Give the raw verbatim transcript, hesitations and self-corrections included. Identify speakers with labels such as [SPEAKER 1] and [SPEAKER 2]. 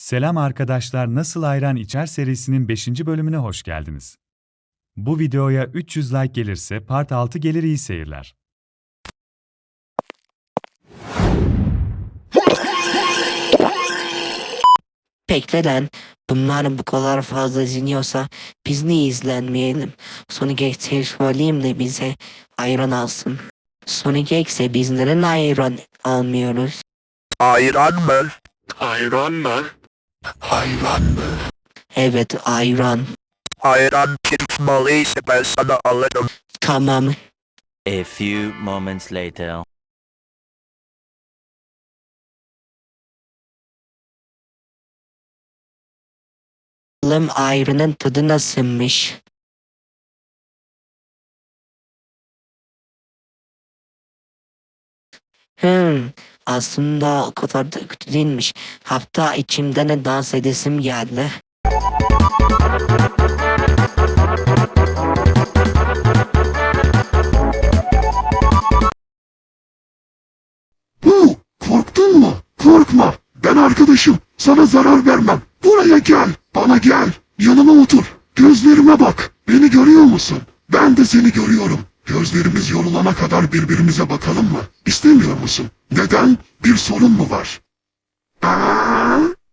[SPEAKER 1] Selam arkadaşlar, Nasıl Ayran İçer serisinin beşinci bölümüne hoş geldiniz. Bu videoya üç yüz like gelirse part altı gelir, iyi seyirler.
[SPEAKER 2] Bekle lan. Bunlar bu kadar fazla izleniyorsa biz niye izlenmeyelim? Sonic X'e söyleyeyim de bize ayran alsın. Sonic X'e biz neden ayran almıyoruz?
[SPEAKER 3] Ayran mı?
[SPEAKER 2] Ayran mı? Ayran mı? Evet, ayran.
[SPEAKER 3] Ayran çıkmalıysa ben sana alırım.
[SPEAKER 2] Tamam.
[SPEAKER 4] A few moments later.
[SPEAKER 2] Bakalım ayranın tadı nasılmış? Hmm, aslında o kadar da kötü değilmiş. Hatta içimden de dans edesim geldi.
[SPEAKER 5] Hu, korktun mu? Korkma. Ben arkadaşım. Sana zarar vermem. Buraya gel. Bana gel. Yanıma otur. Gözlerime bak. Beni görüyor musun? Ben de seni görüyorum. Gözlerimiz yorulana kadar birbirimize bakalım mı? İstemiyor musun? Neden? Bir sorun mu var? Aa!